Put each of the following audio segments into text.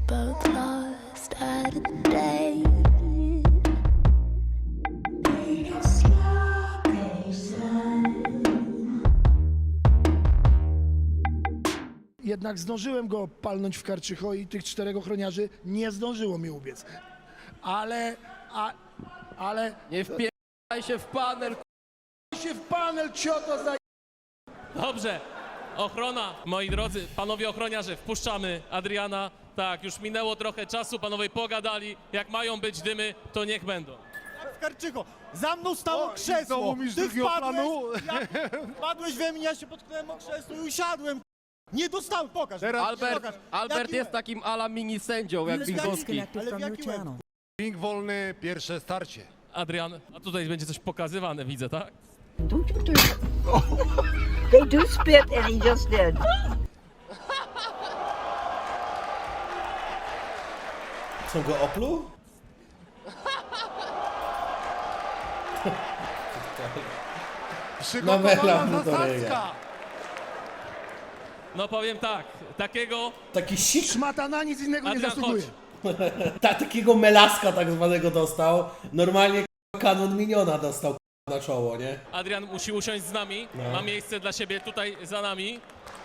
both lost at a day. Jednak zdążyłem go palnąć w Karczycho i tych 4 ochroniarzy nie zdążyło mi ubiec. Ale... Nie wpierdaj się w panel. się w panel, cioto za... Dobrze. Ochrona, moi drodzy, panowie ochroniarze, wpuszczamy Adriana. Tak, już minęło trochę czasu, panowie pogadali. Jak mają być dymy, to niech będą. Karczycho, za mną stało krzesło, ty wpadłeś we mnie, ja się potknąłem o krzesło i usiadłem. Nie dostałem, pokaż. Albert jest takim ala mini sędzią, jak Bingowski. Ale w jakim łeb? Ping wolny, pierwsze starcie. Adrian, a tutaj będzie coś pokazywane, widzę, tak? Don't you do it. They do spit, and he just did. Co go opluł? Przygotowana zasadzka. No powiem tak, takiego... Taki sik, Szmata na nic innego nie Adrian, zasługuje. chodź. takiego melaska tak zwanego dostał. Normalnie kanon miniona dostał na czoło, nie? Adrian musi usiąść z nami, No. ma miejsce dla siebie tutaj za nami.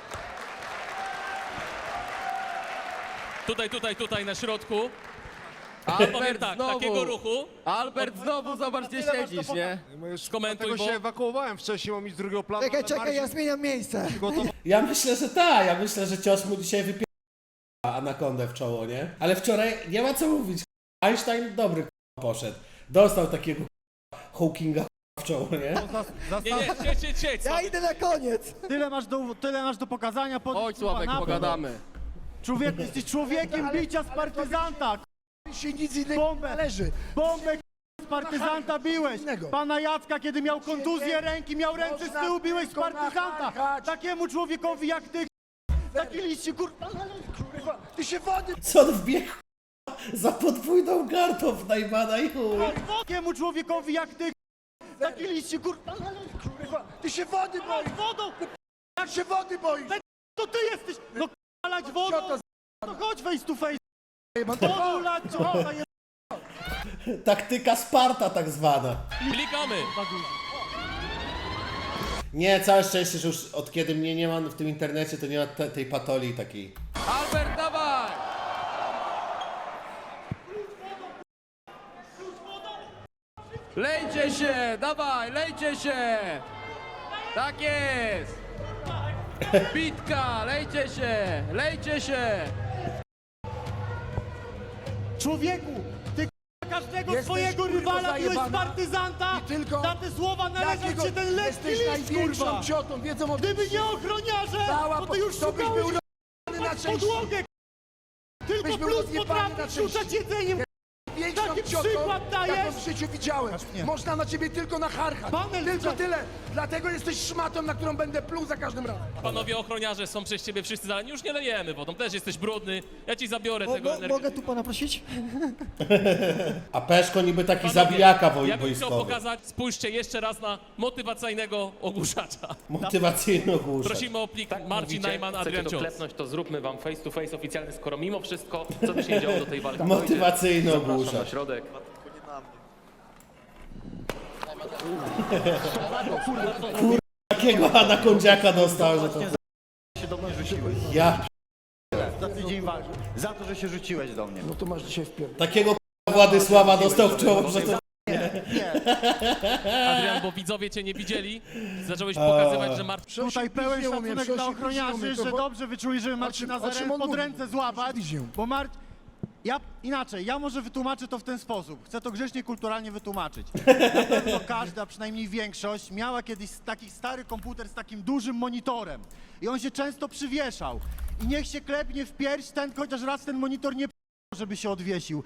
Tutaj na środku. Powiem Albert tak, znowu. takiego ruchu, Albert znowu, zobacz gdzie siedzisz, nie? skomentuj, Dlatego bo... się ewakuowałem wcześniej, mam iść z drugiego planu. Czekaj, ja zmieniam miejsce. Ja myślę, że tak. Ja myślę, że cios mu dzisiaj wypiera anakondę w czoło, nie? Ale wczoraj nie ma co mówić. Einstein dobry poszedł. Dostał takiego Hawkinga w czoło, nie? Nie, siedź, Ja idę na koniec. Tyle masz do pokazania. Chodź Sławek, pogadamy. Człowiek, jesteś człowiekiem bicia z partyzanta. Się nic innego nie Bombę. należy. Bombę z partyzanta biłeś. Innego. Pana Jacka, kiedy miał kontuzję ręki, miał ręce z tyłu, biłeś z partyzanta. Takiemu człowiekowi jak ty, taki liście, kurwa. Kurwa, ty się wody... Co on wbiegł za podwójną gardą w Najmana i chuj. Takiemu człowiekowi jak ty, taki liście, kurwa. Kurwa, ty się wody boisz. Wodą, Jak się wody boisz? to ty jesteś. No lać wodą, Cioto to chodź face to face. z***ę, Wodą lać, ciota jest. Taktyka Sparta tak zwana. Klikamy. Nie, całe szczęście, że już od kiedy mnie nie ma w tym internecie, to nie ma tej patolii takiej. Albert, dawaj! Lejcie się, dawaj, lejcie się! Tak jest! Bitka, lejcie się! Człowieku, ty każdego Jesteś, swojego kurwa, rywala biłeś z zajebana. partyzanta. I tylko- Za te słowa należał Jakiego ci ten lekki jesteś list, największą kurwa. ciotą, wiedzą o Gdyby nie ochroniarze, to ty już to byś był szukałeś rozjebany na pod części. podłogę. Tylko Byś był plus rozjebany na potrafisz części. rzucać jedzeniem. Większą Taki ciotą, przykład dajesz? jaką w życiu widziałem. Można na ciebie tylko nacharchać. Panel, Tylko co? tyle. Dlatego jesteś szmatą, na którą będę pluł za każdym razem. Panowie ochroniarze są przez ciebie wszyscy zalani. Już nie lejemy wodą, też jesteś brudny. Ja ci zabiorę tego energii. Mogę tu pana prosić? A Peszko niby taki Panowie, zabijaka ja bym chciał wojskowy. pokazać, spójrzcie jeszcze raz na motywacyjnego ogłuszacza. Motywacyjny ogłuszacz. Prosimy o plik Marcin Mówicie, Najman, chcecie Adrian to Cios. klepnąć, to zróbmy wam face to face oficjalny, skoro mimo wszystko, co by się nie działo do tej walki Motywacyjny dojdzie. Zapraszam ogłuszacz. na środek. Takiego anakondziaka dostał, że to... się do mnie rzuciłeś. Ja... Za tydzień walki. Za to, że się rzuciłeś do mnie. No to masz dzisiaj wpierdol. Takiego Władysława dostał w czoło, że to... Adrian, bo widzowie cię nie widzieli. Zacząłeś pokazywać, że Marcin... Tutaj pełen Piźniło mnie, szacunek dla Przosiu, ochroniarzy, piźniło mnie że to, bo- dobrze wyczuli, żeby Marcina o czym on pod mówi? ręce złapać. Piźnił. Bo inaczej, ja może wytłumaczę to w ten sposób. Chcę to grzecznie, kulturalnie wytłumaczyć. Na pewno każda, a przynajmniej większość, miała kiedyś taki stary komputer z takim dużym monitorem. I on się często przywieszał. I niech się klepnie w pierś ten, chociaż raz ten monitor nie żeby się odwiesił.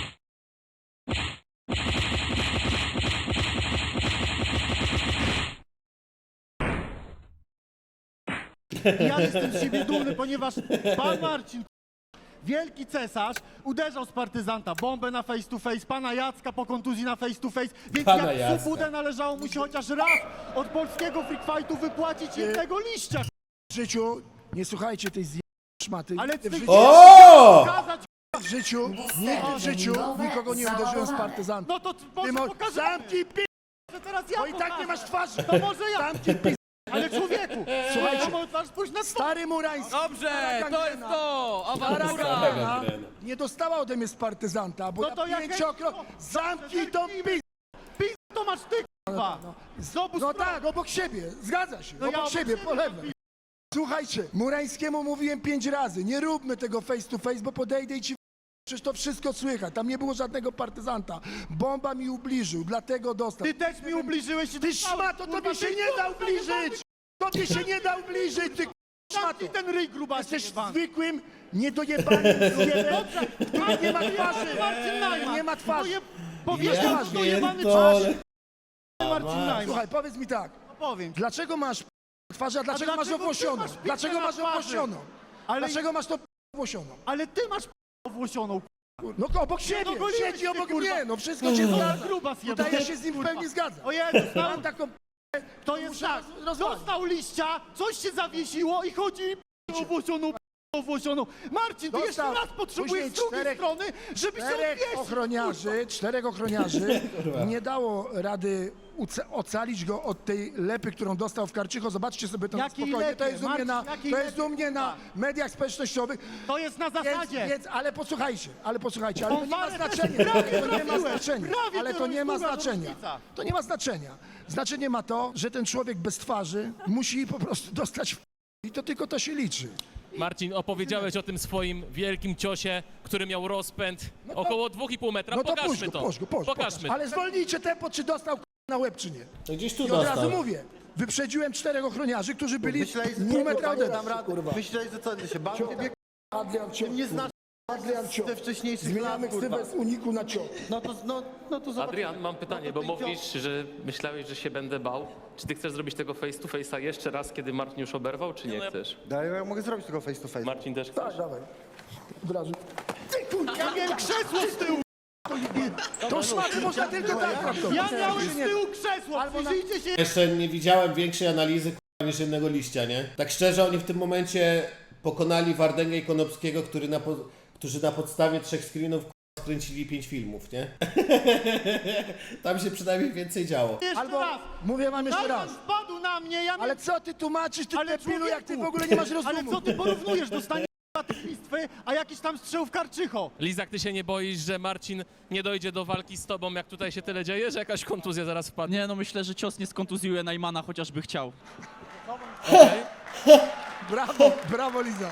I ja jestem z siebie dumny, ponieważ pan Marcin, wielki cesarz, uderzał z partyzanta, bombę na face to face, pana Jacka po kontuzji na face to face, więc Pana jak Jacka. Subudę należało mu się chociaż raz od polskiego freak fightu wypłacić jednego liścia. W życiu nie słuchajcie tej szmaty. Ale Nigdy w ty życiu O! pokazać w życiu nikogo nie uderzyłem z partyzanta. No to może pokażemy. Zamknij pi... Że teraz ja Bo i tak pokażę. nie masz twarzy. To może ja. Zamknij pi... Ale człowieku, Słuchajcie, to możesz pójść na stary Murański. Dobrze, to jest to! Awantura! Stara nie dostała ode mnie z partyzanta, bo No to ja jak- Zamknij tą pi... to masz ty, k***wa. Zobacz, No tak, obok siebie, zgadza się, No ja obok siebie, obok po lewej. Słuchajcie, Murańskiemu mówiłem 5 razy, nie róbmy tego face to face, bo podejdę i ci przecież to wszystko słychać, tam nie było żadnego partyzanta. Bomba mi ubliżył, dlatego dostał. Ty też mi ubliżyłeś i Ty szmato, tobie się nie da ubliżyć! Tobie się nie da ubliżyć, ty szmato! Zamknij ten ryj, gruba. Jesteś zwykłym, niedojebanym zjebem, który nie ma twarzy! Marcin Najman. Nie ma twarzy! Powiesz, Ja masz dojebany pierdolę. twarz. Marcin Najman. Słuchaj, powiedz mi tak, No powiem ci. dlaczego masz twarz, a dlaczego masz dlaczego ty owłosioną? masz Dlaczego pizdę na masz twarzy? owłosioną? Ale, Dlaczego masz to owłosioną? ale ty masz owłosioną. No obok siebie, dogoliłeś siedzi się, obok kurwa. mnie, no wszystko się zgadza. Gruba zjebana. Tutaj ja się z nim w pełni zgadzam. O Jezus, Mam taką to jest muszę tak. rozwalić. Dostał liścia, coś się zawiesiło i chodzi owłosioną. Marcin, ty jeszcze Dostał. raz potrzebujesz Później z drugiej czterech- strony, żeby się czterech ochroniarzy nie dało rady ocalić go od tej lepy, którą dostał w Karczycho. Zobaczcie sobie to na Jakiej spokojnie. lepie? To jest u mnie Marcin, jakiej to jest u lepie, mnie na kurwa? mediach społecznościowych. To jest na zasadzie. Więc, ale posłuchajcie, ale to nie ma Wąwarę znaczenia. prawie To nie ma trafiłeś, znaczenia. prawie Ale to to nie ma jest druga znaczenia. różnica. To nie ma znaczenia. Znaczenie ma to, że ten człowiek bez twarzy musi po prostu dostać w i to tylko to się liczy. Marcin, opowiedziałeś o tym swoim wielkim ciosie, który miał rozpęd to- około 2,5 metra. No to Pokażmy to. pokaż. Pokażmy. Ale zwolnijcie tempo, czy dostał na łeb, czy nie. No gdzieś tu I od razu dostał. mówię, wyprzedziłem 4 ochroniarzy, którzy byli Myślałeś, że pół metra ode dam mnie. radę. Myślałeś, że co, ty się bawisz? Adrian Cio. Nie znasz Adrian Cio. ze wcześniejszych Zmieniamy lat, kurwa. ksywę z uniku na Cio. No to zobacz. Adrian, mam pytanie, bo mówisz, że myślałeś, że się będę bał. Czy ty chcesz zrobić tego face to face'a jeszcze raz, kiedy Marcin już oberwał, czy nie chcesz? Daj, ja mogę zrobić tylko face to face. Marcin też chcesz? Tak, dawaj. Od razu. Ty kurwa, Ja miałem krzesło z tyłu. to szmaty można tylko tak traktować. Ja miałem z tyłu krzesło. Albo na- Przyjrzyjcie się. Jeszcze nie widziałem większej analizy k***a, niż jednego liścia, nie? Tak szczerze, oni w tym momencie pokonali Wardęgę i Konopskiego, którzy na podstawie 3 screenów k***a, skręcili 5 filmów, nie? Tam się przynajmniej więcej działo. Jeszcze Albo, raz. mówię wam jeszcze Najman raz. wpadł na mnie, ja Ale co ty tłumaczysz, ty Ale debilu, jak ty w człowieku, ogóle nie masz Ale rozumu? co ty porównujesz? Dostanie tych listwy, a jakiś tam strzał w Karczycho. Lizak, ty się nie boisz, że Marcin nie dojdzie do walki z tobą, jak tutaj się tyle dzieje, że jakaś kontuzja zaraz wpadnie? Nie, no myślę, że cios nie skontuzjuje Najmana, chociażby chciał. Brawo Liza.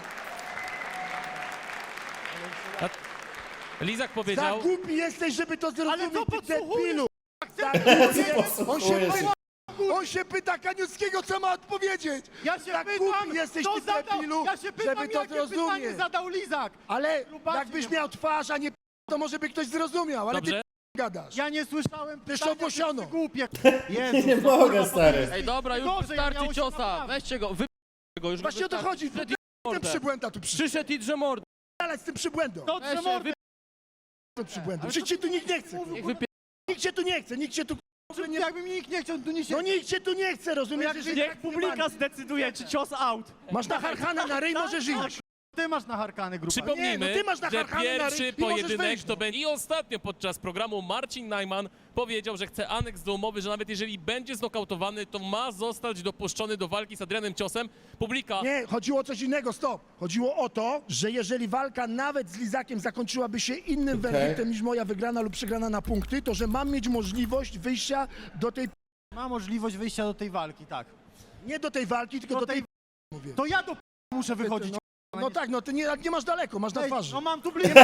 Lizak Za powiedział... głupi jesteś, żeby to zrozumieć, Ale to ty podsłuchujesz, debilu. Za Podsłuchujesz. On się pyta Kaniuckiego, co ma odpowiedzieć. Ja się Tak pytam, głupi jesteś, kto ty zadał, debilu, ja się pytam, żeby to jakie pytanie zrozumieć. zadał Lizak. Ale Grubasie, jakbyś nie miał twarz, a nie to może by ktoś zrozumiał, ale Dobrze? ty gadasz. Ja nie słyszałem Ty pytania, owłosiono. ty głupie. Jezus, Nie no, mogę, kurwa, stary. Ej, dobra, już Gorzej, wystarczy miałeś ciosa. naprawdę. Weźcie go, go już. Właśnie o to chodzi, Przyszedł ten przybłęda tu Przyszedł i drze mordę. przyszedł z tym przybłędą. To Weź, mordę. Ten przybłędą. Przecież cię tu nikt nie chce. Niech wypie... Nikt cię tu nie chce, nikt cię tu nie... Jakby mi nikt nie chciał, tu nie się... No nikt cię tu nie chce, rozumiesz? jak że niech tak Publika nie zdecyduje, czy cios out. masz nacharchane na ryj, możesz iść. Ty masz naharkany, grupa. Przypomnijmy, Nie, no ty masz że naharkany na ryj pierwszy i możesz pojedynek wejść. to będzie... I ostatnio podczas programu Marcin Najman powiedział, że chce aneks do umowy, że nawet jeżeli będzie znokautowany, to ma zostać dopuszczony do walki z Adrianem Ciosem. Publika... Nie, chodziło o coś innego, stop. Chodziło o to, że jeżeli walka nawet z Lizakiem zakończyłaby się innym werdyktem niż moja wygrana lub przegrana na punkty, to że mam mieć możliwość wyjścia do tej... Ma możliwość wyjścia do tej walki, tak. Nie do tej walki, tylko do tej... Mówię. To ja do muszę wychodzić. No tak, no ty nie masz daleko, masz na Ej, twarzy. no mam tu blisko.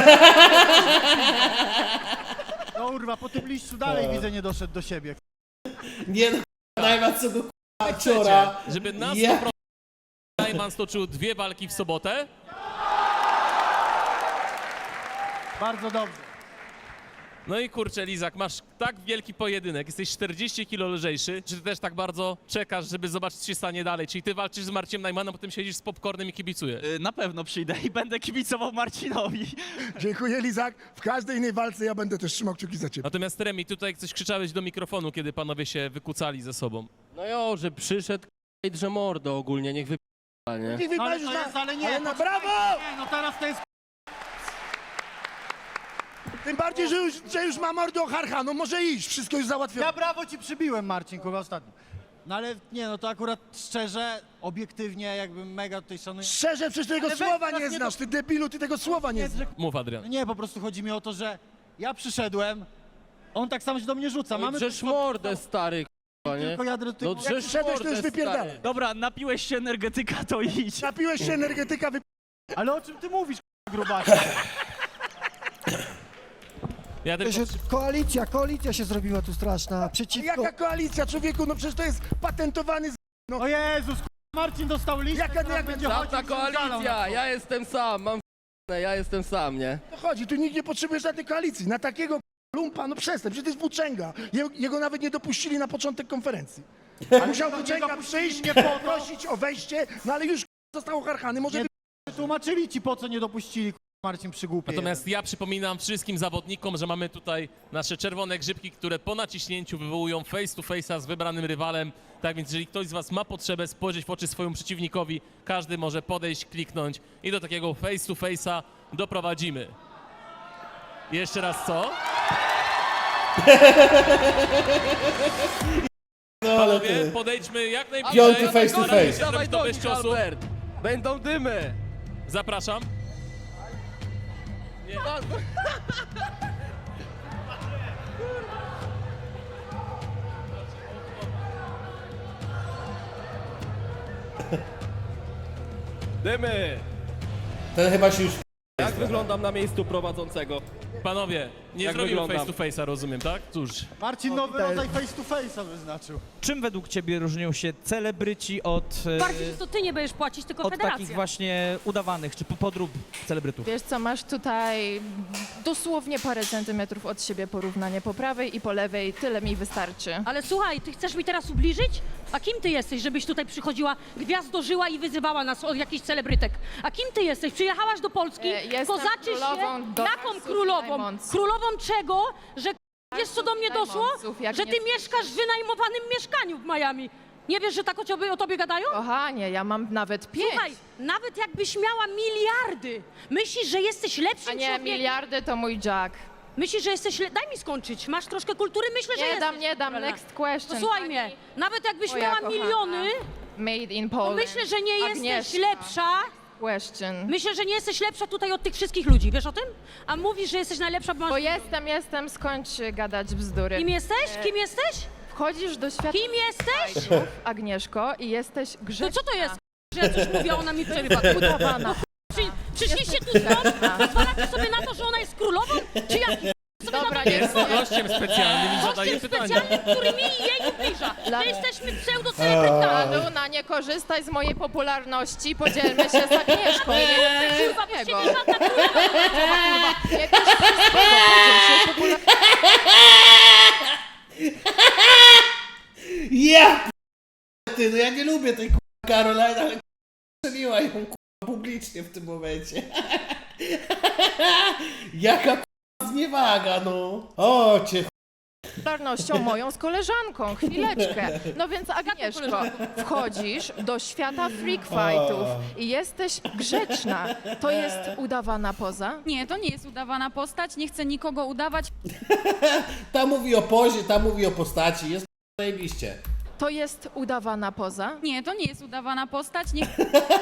No kurwa, po tym liściu dalej widzę, nie doszedł do siebie. Nie no, Najman co go k***a Chcecie, ciora. żeby na 100% Ja- Najman stoczył 2 walki w sobotę? Bardzo dobrze. No i kurczę, Lizak, masz tak wielki pojedynek, jesteś 40 kilo lżejszy. Czy ty też tak bardzo czekasz, żeby zobaczyć, co się stanie dalej? Czyli ty walczysz z Marciem Najmanem, potem siedzisz z popcornem i kibicujesz? Na pewno przyjdę i będę kibicował Marcinowi. Dziękuję, Lizak. W każdej innej walce ja będę też trzymał kciuki za ciebie. Natomiast Remi, tutaj coś krzyczałeś do mikrofonu, kiedy panowie się wykucali ze sobą. No jo, że przyszedł i drze mordę ogólnie, niech wypie... nie? Niech No, ale wybaczysz to jest, ale nie. ale na poczekaj, brawo! Nie, no teraz to jest... Tym bardziej, że już ma mordę Ocharcha, no może iść, wszystko już załatwione. Ja brawo ci przybiłem, Marcin, kurwa, ostatnio. No ale nie, no to akurat szczerze, obiektywnie, jakby mega tutaj szanuję. Szczerze, przecież tego Ale weź słowa teraz nie nie znasz, ty debilu, ty tego słowa nie znasz. Mów, Adrian. Nie, po prostu chodzi mi o to, że ja przyszedłem, on tak samo się do mnie rzuca. Mamy Drzesz mordę, stary, k***a, nie? tylko jadę do tych... No Jak drzesz przyszedłeś, to już mordę, wypierdalaj. stary. Dobra, napiłeś się energetyka, to idź. Napiłeś się energetyka, Ale o czym ty mówisz, gruba? Ja tylko... Koalicja się zrobiła tu straszna, przeciwko... Jaka koalicja, człowieku, no przecież to jest patentowany O Jezus, Marcin dostał listę, Jaka- która jak- będzie Żadna chodzić i zwiedzalał koalicja, na to. ja jestem sam, mam ja jestem sam, nie? No chodzi, tu nikt nie potrzebuje żadnej koalicji. Na takiego lumpa, no przestań, przecież to jest włóczęga. Jego nawet nie dopuścili na początek konferencji. A musiał włóczęga przyjść, nie poprosić o wejście, no ale już został ocharchany, może... Nie tłumaczyli ci, po co nie dopuścili, Marcin przygłupie. Natomiast ja przypominam wszystkim zawodnikom, że mamy tutaj nasze czerwone grzybki, które po naciśnięciu wywołują face to face'a z wybranym rywalem. Tak więc jeżeli ktoś z was ma potrzebę spojrzeć w oczy swojemu przeciwnikowi, każdy może podejść, kliknąć i do takiego face to face'a doprowadzimy. Jeszcze raz co? No ale Panowie, ty. podejdźmy jak najbliżej. Piąty face to Staramy się face. Dawaj zrobić to do bez nich, ciosu. Albert! Będą dymy! Zapraszam. Nie. Dymy! Ten chyba się już... Jak wyglądam na miejscu prowadzącego? Panowie, nie Jak zrobimy wyglądam? face to face'a, rozumiem, tak? Cóż. Marcin nowy rodzaj face to face'a wyznaczył. Czym według ciebie różnią się celebryci od, Bardziej to ty nie będziesz płacić, tylko od federacja. takich właśnie udawanych czy podrób celebrytów? Wiesz co, masz tutaj dosłownie parę centymetrów od siebie porównanie po prawej i po lewej, tyle mi wystarczy. Ale słuchaj, ty chcesz mi teraz ubliżyć? A kim ty jesteś, żebyś tutaj przychodziła, gwiazdożyła i wyzywała nas od jakichś celebrytek? A kim ty jesteś? Przyjechałaś do Polski, Jestem kozaczysz królową się? Domarsów Jaką i królową? Najmąców. Królową czego? Że wiesz co do mnie doszło? Najmąców, jak Że nie ty słyszałam. mieszkasz w wynajmowanym mieszkaniu w Miami. Nie wiesz, że tak o tobie gadają? Kochanie, ja mam nawet 5. Słuchaj, nawet jakbyś miała miliardy, myślisz, że jesteś lepszym A nie, człowiekiem? miliardy to mój Jack. Myślisz, że jesteś... Daj mi skończyć. Masz troszkę kultury? Myślę, że Nie jesteś. dam, nie dam. kulturalna. Next question. To słuchaj pani mnie, nawet jakbyś moja miała kochana. miliony, Made in to Poland. myślę, że nie jesteś Agnieszka. lepsza. Question. Myślę, że nie jesteś lepsza tutaj od tych wszystkich ludzi. Wiesz o tym? A mówisz, że jesteś najlepsza, bo Bo masz... jestem, skończ gadać bzdury. Kim jesteś? Kim jesteś? Wchodzisz do świata Kim jesteś? fajków, Agnieszko, i jesteś grzeczna. To co to jest? Że ja coś mówię, a ona mi przerywa. Udawana. Przyszliście tu stąd? Pozwalacie sobie na to, że ona jest królową? Czy jaki? Dobra, Jest gościem specjalnym i zadaje Gościem pytania. specjalnym, który mi i jej ubliża. Dla- My jesteśmy pseudo-celebrytami. Luna, nie korzystaj z mojej popularności, podzielmy się z Agnieszką. Kurwa, bo Niego. ciebie żadna królowa. Nie bierz wszystkiego, podziel się popularnością. Ja ty, no ja nie lubię tej Caroline, ale strzeliła ją publicznie w tym momencie. Jaka zniewaga, no. O cię Popularnością moją z koleżanką, chwileczkę. No więc Agnieszko, wchodzisz do świata freak fightów i jesteś grzeczna. To jest udawana poza? Nie, to nie jest udawana postać, nie chcę nikogo udawać. Ta mówi o pozie, ta mówi o postaci, jest zajebiście. To jest udawana poza? Nie, to nie jest udawana postać, nie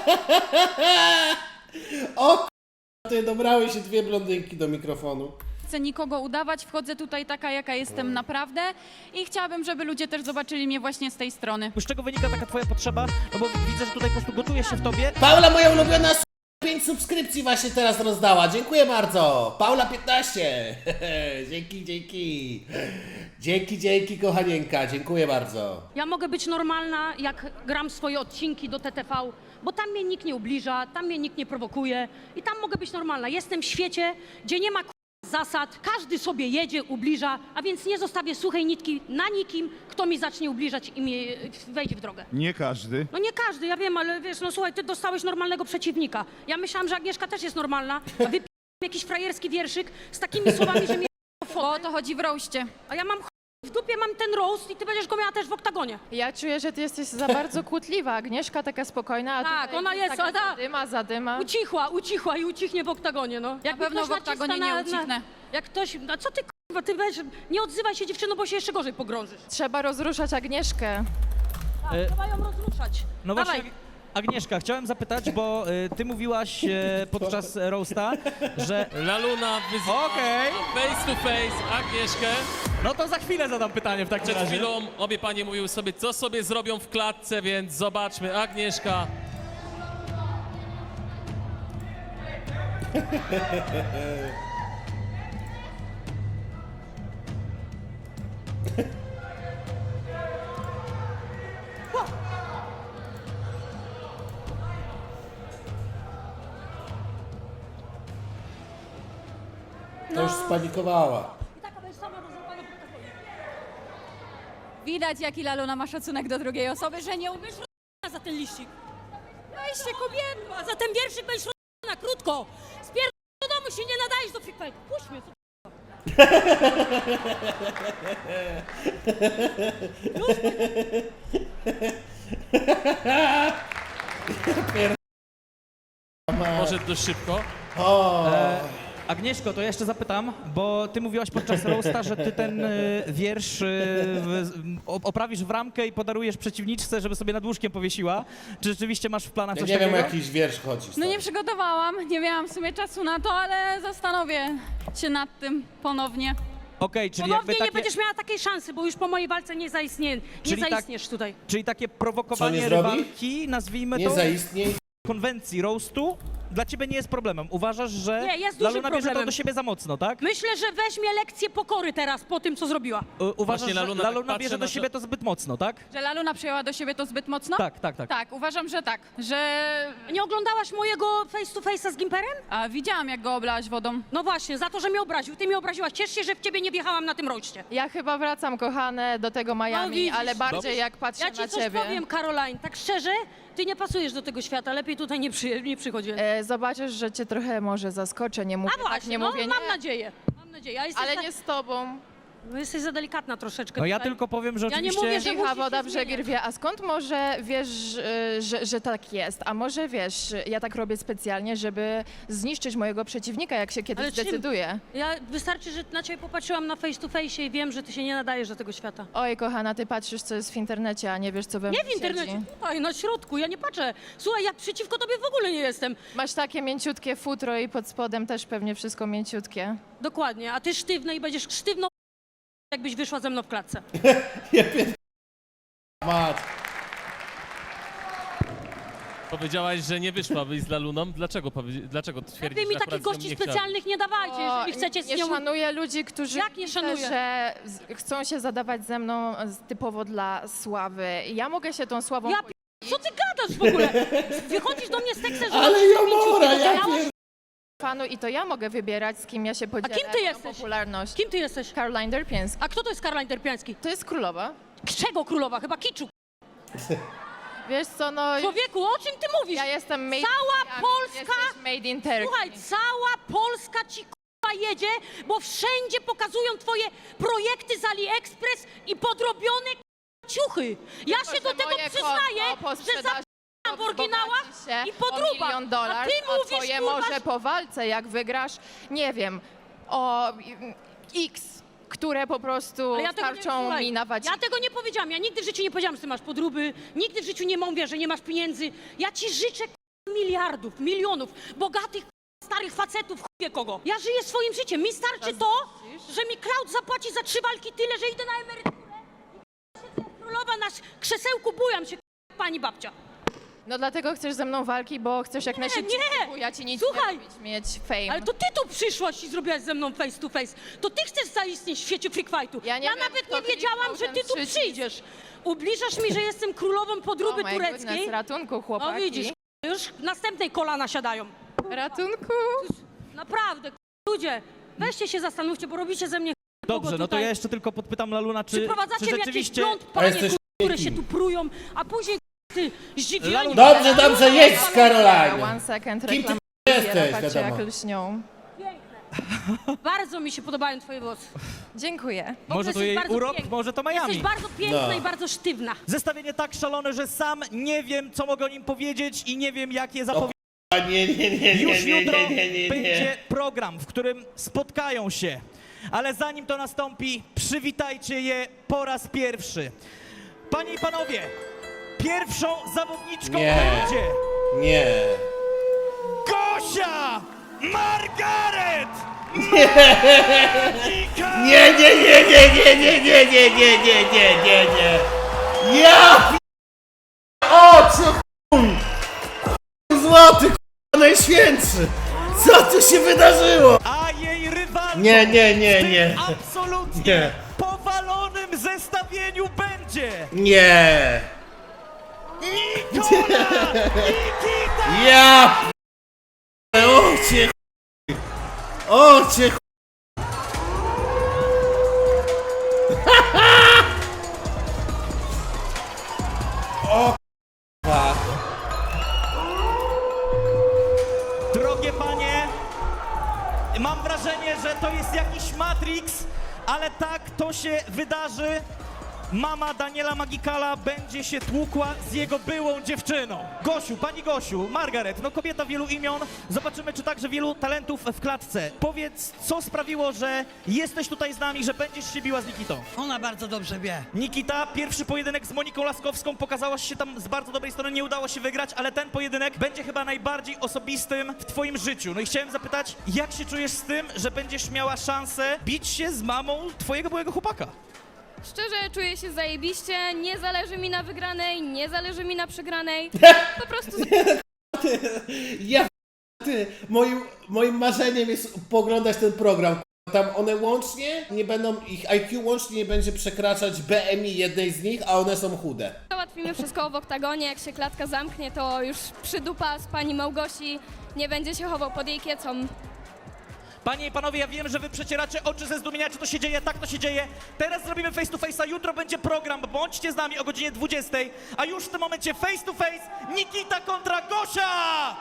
O ty, dobrały się dwie blondynki do mikrofonu. chcę nikogo udawać, wchodzę tutaj taka, jaka jestem naprawdę i chciałabym, żeby ludzie też zobaczyli mnie właśnie z tej strony. Z czego wynika taka twoja potrzeba? No bo widzę, że tutaj po prostu gotuje się w tobie. Paula, moja ulubiona 5 subskrypcji właśnie teraz rozdała. Dziękuję bardzo. Paula 15. Dzięki. Dzięki, kochanieńka. Dziękuję bardzo. Ja mogę być normalna, jak gram swoje odcinki do TTV, bo tam mnie nikt nie ubliża, tam mnie nikt nie prowokuje i tam mogę być normalna. Jestem w świecie, gdzie nie ma zasad, każdy sobie jedzie, ubliża, a więc nie zostawię suchej nitki na nikim, kto mi zacznie ubliżać i mi wejdzie w drogę. Nie każdy. No nie każdy, ja wiem, ale wiesz, no słuchaj, ty dostałeś normalnego przeciwnika. Ja myślałam, że Agnieszka też jest normalna, a wy jakiś frajerski wierszyk z takimi słowami, że mnie... Bo o to chodzi w roście. A ja mam w dupie mam ten roast i ty będziesz go miała też w oktagonie. Ja czuję, że ty jesteś za bardzo kłótliwa. Agnieszka taka spokojna, a Tak, tutaj ona jest, taka ona- zadyma. Ucichła i ucichnie w oktagonie, no. Jak pewno w oktagonie nie ucichnę. Jak ktoś, a co ty kurwa, ty weź, nie odzywaj się dziewczyno, bo się jeszcze gorzej pogrążysz. Trzeba rozruszać Agnieszkę. Tak, trzeba ją rozruszać. No Dawaj. właśnie, Agnieszka, chciałem zapytać, bo ty mówiłaś podczas roasta, że... Laluna wyzwała Okej. face to face Agnieszkę. No to za chwilę zadam pytanie w takim Przed razie. chwilą obie panie mówiły sobie, co sobie zrobią w klatce, więc zobaczmy. Agnieszka. To już spanikowała. I taka będziesz sama rozrzucana w oktagonie. Widać, jaki Laluna ma szacunek do drugiej osoby, że nie umiesz Za ten liścik. Weźcie kobieto, a za ten wierszyk będziesz na krótko. Spierdol do domu, się nie nadajesz do freak fight. Puść mnie, co Może dość szybko. Agnieszko, to ja jeszcze zapytam, bo ty mówiłaś podczas roasta, że ty ten wiersz oprawisz w ramkę i podarujesz przeciwniczce, żeby sobie nad łóżkiem powiesiła. Czy rzeczywiście masz w planach Ja coś nie wiem, o takiego? jakiś wiersz chodzi. No stary. nie przygotowałam, nie miałam w sumie czasu na to, ale zastanowię się nad tym ponownie. Okej, czyli Ponownie jakby nie takie, będziesz miała takiej szansy, bo już po mojej walce nie Czyli tak- zaistniesz tutaj. czyli takie Co prowokowanie nie zrobi? rywalki, nazwijmy Nie to, zaistniej. konwencji roastu, dla ciebie nie jest problemem. Uważasz, że Nie, jest dużym Laluna bierze to problemem. do siebie za mocno, tak? Myślę, że weźmie lekcję pokory teraz po tym, co zrobiła. Uważasz, Właśnie że Laluna Laluna tak patrzy bierze do na to- siebie to zbyt mocno, tak? Że Laluna przyjęła do siebie to zbyt mocno? Tak, tak, tak. Tak, uważam, że tak, że... Nie oglądałaś mojego face to face'a z Gimperem? A widziałam, jak go oblałaś wodą. No właśnie, za to, że mnie obraził. Ty mnie obraziłaś. Ciesz się, że w ciebie nie wjechałam na tym roście. Ja chyba wracam, kochane, do tego Miami, widzisz. ale bardziej Dobrze. jak patrzę Ja ci na coś ciebie. powiem, Caroline. Tak szczerze, ty nie pasujesz do tego świata. Lepiej tutaj nie przychodź. Zobaczysz, że cię trochę może zaskoczę, nie mówię A właśnie, tak, nie no, mówię mam nie, nadzieję. Mam nadzieję. A jesteś ale za... nie z tobą. No, jesteś za delikatna troszeczkę No ja tutaj. tylko powiem, że Ja nie oczywiście... mówię, że Cicha musisz woda się brzegi zmieniać. rwie, a skąd może wiesz, że tak jest? A może wiesz, ja tak robię specjalnie, żeby zniszczyć mojego przeciwnika, jak się kiedyś Ale czym? zdecyduję. Ja wystarczy, że na ciebie popatrzyłam na face to face i wiem, że ty się nie nadajesz do tego świata. Oj, kochana, ty patrzysz, co jest w internecie, a nie wiesz, co we mnie Nie w internecie, siedzi. tutaj, na środku, ja nie patrzę. Słuchaj, ja przeciwko tobie w ogóle nie jestem. Masz takie mięciutkie futro i pod spodem też pewnie wszystko mięciutkie. Dokładnie, a ty sztywna i będziesz sztywną, jakbyś wyszła ze mną w klatce. Mat. Powiedziałaś, że nie wyszłabyś z Laluną. Dlaczego twierdzisz, Wy mi że takich akurat z nią gości nie chciałabyś? specjalnych nie dawajcie, O, jeżeli chcecie z nie nią... szanuję ludzi, którzy Jak nie myślę, szanuję? że chcą się zadawać ze mną typowo dla sławy. Ja mogę się tą sławą... Ja Co ty gadasz w ogóle? Wychodzisz do mnie z tekstem, że... Ale Jomora, ja miałaś... pier... fanu i to ja mogę wybierać, z kim ja się podzielę. kim ty moją jesteś? Popularność. Kim ty jesteś? Caroline Derpiński. A kto to jest Caroline Derpiński? To jest królowa. Czego królowa? Chyba kiczu. Wiesz co, no... Człowieku, o czym ty mówisz? Ja jestem made Cała ja Polska- jesteś made in Turkey. Słuchaj, cała Polska ci k***a jedzie, bo wszędzie pokazują twoje projekty z AliExpress i podrobione k***a ciuchy. Ja Tylko, się do że tego moje przyznaję, konto po że sprzedaży za w oryginałach wzbogaci się i podróbach. o $1 000 000, A ty a mówisz, twoje kurwa, może po walce, jak wygrasz, nie wiem, o X, które po prostu Ale ja tego nie- starczą słuchaj, mi na waciki. Ja tego nie powiedziałam. Ja nigdy w życiu nie powiedziałam, że ty masz podróby. Nigdy w życiu nie mówię, że nie masz pieniędzy. Ja ci życzę miliardów, milionów, bogatych starych facetów, wie kogo. Ja żyję swoim życiem. Mi starczy to, że mi Cloud zapłaci za 3 walki tyle, że idę na emeryturę i siedzę jak królowa na krzesełku, bujam się pani babcia. No dlatego chcesz ze mną walki, bo chcesz jak najszybciej, nie. bo ja ci nic Słuchaj. nie robić, mieć fame. Ale to ty tu przyszłaś i zrobiłaś ze mną face to face. To ty chcesz zaistnieć w świecie freak fightu. Ja nie wiem, nawet kto nie wiedziałam, kliknął że ten ty tu przycisk. przyjdziesz. Ubliżasz mi, że jestem królową podróby my tureckiej. goodness, ratunku, chłopaki. No widzisz, już następnej kolana siadają. Ratunku. Naprawdę, ludzie, weźcie się zastanówcie, bo robicie ze mnie Dobrze, no to tutaj. ja jeszcze tylko podpytam Laluna, czy Przyprowadzacie mi jakieś rzeczywiście... blond A panie, jesteś które się tu prują, a później ty zdziwieni. Dobrze, dobrze, jedź z Caroline. One second, Kim ty reklama. jesteś, Patrzcie, wiadomo. jak lśnią. Bardzo mi się podobają twoje włosy. Dziękuję. W ogóle Może to jesteś jej bardzo urok, piękna. może to Miami. Jesteś bardzo piękna No. i bardzo sztywna. Zestawienie tak szalone, że sam nie wiem, co mogę o nim powiedzieć i nie wiem, jak je zapowiedzieć. A nie. Już jutro będzie program, w którym spotkają się. Ale zanim to nastąpi, przywitajcie je po raz pierwszy. Panie i panowie, pierwszą zawodniczką Nie. będzie Nie. Gosia Margaret! Nie. Ja oczy chuj! Złoty najświętszy! Co tu się wydarzyło? A jej rywalką Nie. w tym absolutnie Nie. powalonym zestawieniu będzie Nie. Nikola Nikita! Ja ocie chuj! Ocie chuj! O k***a. Drogie panie, mam wrażenie, że to jest jakiś Matrix, ale tak to się wydarzy. Mama Daniela Magikala będzie się tłukła z jego byłą dziewczyną. Gosiu, pani Gosiu, Margaret, no kobieta wielu imion. Zobaczymy, czy także wielu talentów w klatce. Powiedz, co sprawiło, że jesteś tutaj z nami, że będziesz się biła z Nikitą? Ona bardzo dobrze wie. Nikita, pierwszy pojedynek z Moniką Laskowską, pokazałaś się tam z bardzo dobrej strony, nie udało się wygrać, ale ten pojedynek będzie chyba najbardziej osobistym w twoim życiu. No i chciałem zapytać, jak się czujesz z tym, że będziesz miała szansę bić się z mamą twojego byłego chłopaka? Szczerze czuję się zajebiście, nie zależy mi na wygranej, nie zależy mi na przegranej. Po prostu Ja ty, moim marzeniem jest pooglądać ten program. Tam one łącznie nie będą, ich IQ łącznie nie będzie przekraczać BMI jednej z nich, a one są chude. załatwimy wszystko w oktagonie, jak się klatka zamknie, to już przydupa z pani Małgosi, nie będzie się chował pod jej kiecą. Panie i panowie, ja wiem, że wy przecieracie oczy ze zdumienia, czy to się dzieje, tak to się dzieje. Teraz zrobimy face to face'a, jutro będzie program, bądźcie z nami o godzinie 20, a już w tym momencie face to face Nikita kontra Gosia!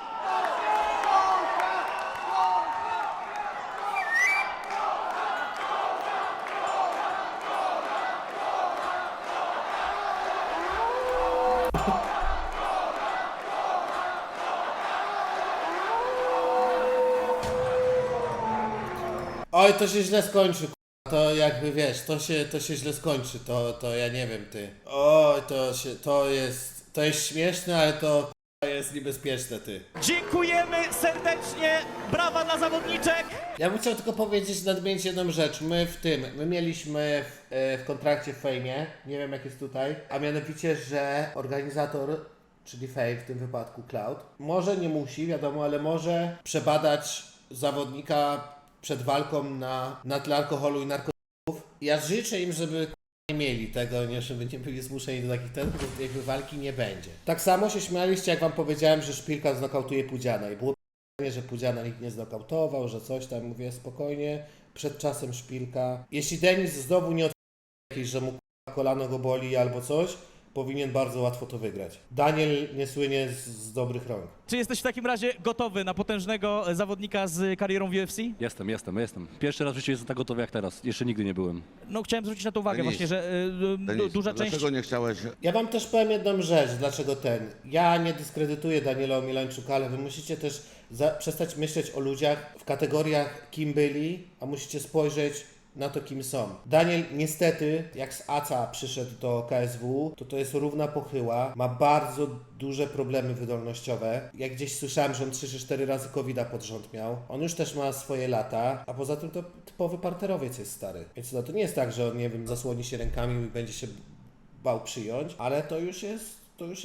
Oj, to się źle skończy, k***a. To jakby wiesz, to się źle skończy, to ja nie wiem, ty. Oj, to jest śmieszne, ale to k***a, jest niebezpieczne, ty. Dziękujemy serdecznie, brawa dla zawodniczek! Ja bym chciał tylko powiedzieć, nadmienić jedną rzecz. My mieliśmy w kontrakcie w Fejmie, nie wiem jak jest tutaj, a mianowicie, że organizator, czyli Fame w tym wypadku Cloud, może, nie musi, wiadomo, ale może przebadać zawodnika przed walką na tle alkoholu i narkotyków. Ja życzę im, żeby nie mieli tego, nie, żeby nie byli zmuszeni do takich testów, bo jakby walki nie będzie. Tak samo się śmialiście, jak wam powiedziałem, że Szpilka znokautuje Pudziana i było pytanie, że Pudziana nikt nie znokautował, że coś tam, mówię spokojnie, przed czasem Szpilka. Jeśli Denis znowu nie jakiś, że mu kolano go boli albo coś, powinien bardzo łatwo to wygrać. Daniel nie słynie z dobrych rąk. Czy jesteś w takim razie gotowy na potężnego zawodnika z karierą w UFC? Jestem. Pierwszy raz w życiu jestem tak gotowy jak teraz. Jeszcze nigdy nie byłem. No chciałem zwrócić na to uwagę właśnie, że duża część... Dlaczego nie chciałeś? Ja wam też powiem jedną rzecz, dlaczego Ja nie dyskredytuję Daniela Omielańczuka, ale wy musicie też przestać myśleć o ludziach w kategoriach kim byli, a musicie spojrzeć na to, kim są. Daniel niestety, jak z ACA przyszedł do KSW, to jest równa pochyła, ma bardzo duże problemy wydolnościowe. Jak gdzieś słyszałem, że on 3 czy 4 razy COVID-a pod rząd miał. On już też ma swoje lata, a poza tym to typowy parterowiec jest stary. Więc no, to nie jest tak, że on, nie wiem, zasłoni się rękami i będzie się bał przyjąć, ale to już jest,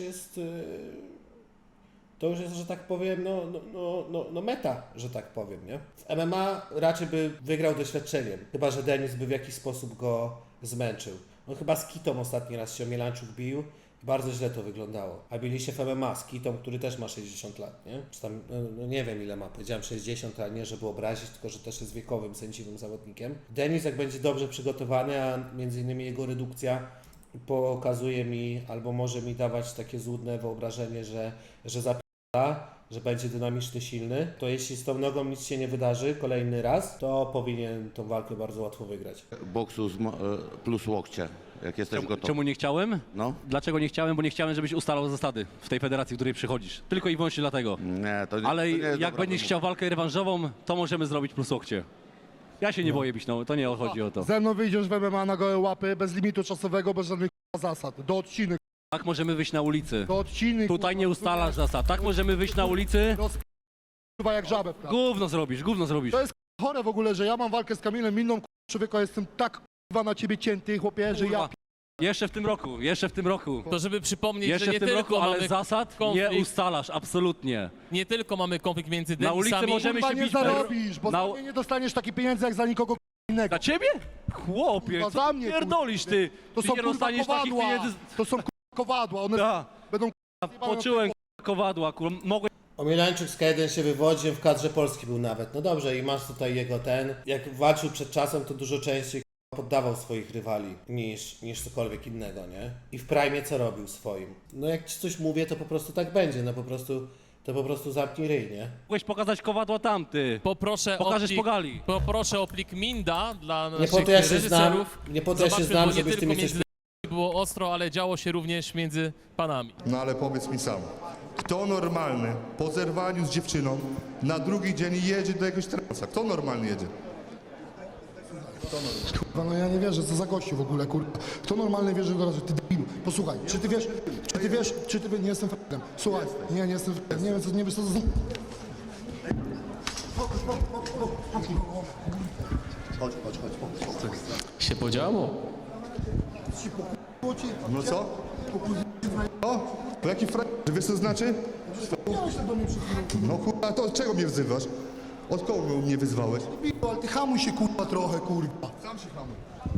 że tak powiem, meta, że tak powiem, nie? W MMA raczej by wygrał doświadczeniem, chyba że Denis by w jakiś sposób go zmęczył. On chyba z Kitą ostatni raz się Omielańczuk bił i bardzo źle to wyglądało. A bili się w MMA z Kitą, który też ma 60 lat, nie? Czy tam, nie wiem ile ma, powiedziałem 60, a nie żeby obrazić, tylko że też jest wiekowym, sędziwym zawodnikiem. Denis jak będzie dobrze przygotowany, a między innymi jego redukcja pokazuje mi, albo może mi dawać takie złudne wyobrażenie, że że będzie dynamiczny, silny, to jeśli z tą nogą nic się nie wydarzy kolejny raz, to powinien tą walkę bardzo łatwo wygrać. Boksu plus łokcie, jak jesteś gotowy. Czemu nie chciałem? No? Dlaczego nie chciałem? Bo nie chciałem, żebyś ustalał zasady w tej federacji, w której przychodzisz. Tylko i wyłącznie dlatego. Nie, to nie. Ale to nie jest jak dobra będziesz wymowa. chciał walkę rewanżową, to możemy zrobić plus łokcie. Ja się nie boję bić, no to nie chodzi o to. Ze mną wyjdziesz w MMA na gołe łapy, bez limitu czasowego, bez żadnych zasad. Do odciny, Tak możemy wyjść na ulicy. do odciny. Tutaj nie ustalasz zasad. Tak możemy wyjść na ulicy. Kurwa jak żabę. Gówno zrobisz, gówno zrobisz. To jest chore w ogóle, że ja mam walkę z Kamilem Minną, człowieku, jestem tak kurwa na ciebie cięty, chłopie, że ja Kurwa. Jeszcze w tym roku. To żeby przypomnieć, Jeszcze że nie w tym tylko roku, ale mamy zasad konflikt, nie ustalasz, absolutnie. nie tylko mamy konflikt między Na ulicy Denisami, możemy kurwa się nie bić zarobisz, bo na- za mnie nie dostaniesz takich pieniędzy jak za nikogo innego. Dla ciebie? Chłopie, Kurwa, co za ty mnie, pierdolisz ty? To Ty są nie kurwa dostaniesz takich kowadła, pieniędzy. to są kurwa kowadła, one Da, będą poczułem kowadła, kurwa. Mogłem Omielańczyk z K1 się wywodzi, w kadrze Polski był nawet. No dobrze, i masz tutaj jego ten. Jak walczył przed czasem, to dużo częściej poddawał swoich rywali niż cokolwiek innego, nie? I w prime co robił swoim? No jak ci coś mówię, to po prostu tak będzie, no po prostu zamknij ryj, nie? mogłeś pokazać kowadła tam, ty. Poproszę Pokażesz o po plik, gali. poproszę o plik Minda dla Nie naszych po to ja się znam, reżyserów. nie po to ja się Zobaczmy, znam, bo nie żebyś ty tylko mi coś... między było ostro, ale działo się również między panami. No ale powiedz mi sam, kto normalny po zerwaniu z dziewczyną na drugi dzień jedzie do jakiegoś transa? Kto normalny jedzie? Kurwa, no ja nie wierzę, co za gościu w ogóle, kurwa. Kto normalny wierzy do razu, ty debilu. Posłuchaj, czy ty wiesz, nie jestem f***em. Słuchaj, nie jestem f***em, nie wiesz co to za... Się podziało? No co? O, to jaki Wiesz co znaczy? No kurwa, to od czego mnie wzywasz? Od kogo mnie wyzwałeś? Ale ty hamuj się, kurwa, trochę, kurwa. Sam się hamuj.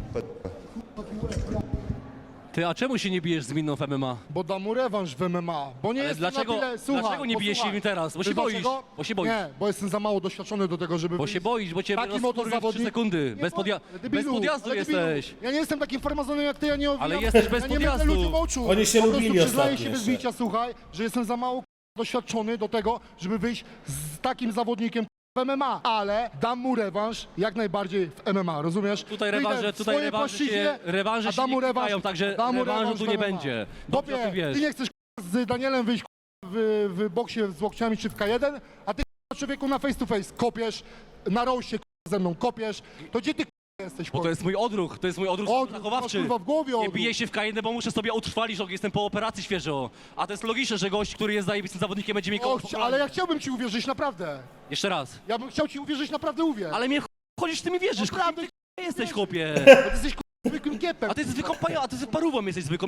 Ty, a czemu się nie bijesz z Minną w MMA? Bo dam mu rewanż w MMA, bo nie Ale jestem dlaczego- na tyle... Słuchaj, dlaczego nie bijesz się posłuchaj. im teraz? Bo się Wiesz boisz, dlaczego? bo się boisz. Nie, bo jestem za mało doświadczony do tego, żeby Bo wyjść. się boisz, bo cię Taki rozkurwią motor w 3 zawodnik. sekundy. Nie Bez debilu, podjazdu ale debilu. jesteś. Ja nie jestem takim farmazonem jak ty, ja nie owijam. Ale jesteś bez ja nie podjazdu. będę ludziom oczu. Oni się Po prostu lubili przyznaję ostatnio się bez jeszcze. bicia, słuchaj, że jestem za mało doświadczony do tego, żeby wyjść z takim zawodnikiem w MMA, ale dam mu rewanż jak najbardziej w MMA, rozumiesz? Tutaj Wyjdę rewanże, w tutaj swojej rewanże płaszczyźnie, rewanże a się dam mu nie rewanż, klikają, także dam mu rewanżu rewanż tu w nie MMA. będzie. Dobrze o Chłopie, tym wiesz. ty nie chcesz z Danielem wyjść w boksie z łokciami czy w K1, a ty człowieku na face to face kopiesz, na roście ze mną kopiesz, to gdzie ty jesteś? Bo to jest mój odruch zachowawczy. Kurwa, w głowie Nie odruch. biję się w K1, bo muszę sobie utrwalić, że jestem po operacji świeżo. A to jest logiczne, że gość, który jest zajebistym zawodnikiem, będzie mi kogoś Ale ja chciałbym ci uwierzyć, naprawdę. Jeszcze raz. Ja bym chciał ci uwierzyć, naprawdę uwierz. Ale mnie chodzisz, ty mi wierzysz. Naprawdę, Ty jesteś, chłopie. bo ty jesteś zwykłym kiepem. A ty jesteś zwykłą a ty parówą jesteś zwykłą.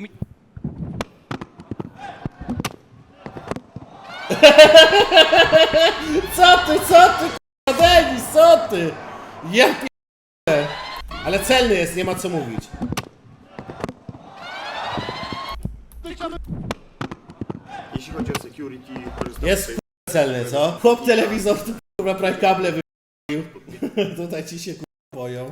Co ty, kurwa, Denis, co ty? Ja p***e. Ale celny jest, nie ma co mówić. Jeśli chodzi o security, korzystamy Jest kurwa celny, co? Chłop telewizor tu kurwa prawie kable wypił. Tutaj ci się kurwa boją.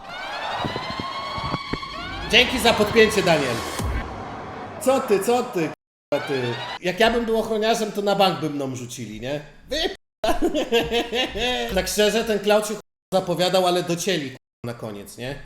Dzięki za podpięcie, Daniel. Co ty, kurwa ty? Jak ja bym był ochroniarzem, to na bank by mną rzucili, nie? Tak szczerze, ten Cloud się kurwa zapowiadał, ale docięli kurwa na koniec, nie?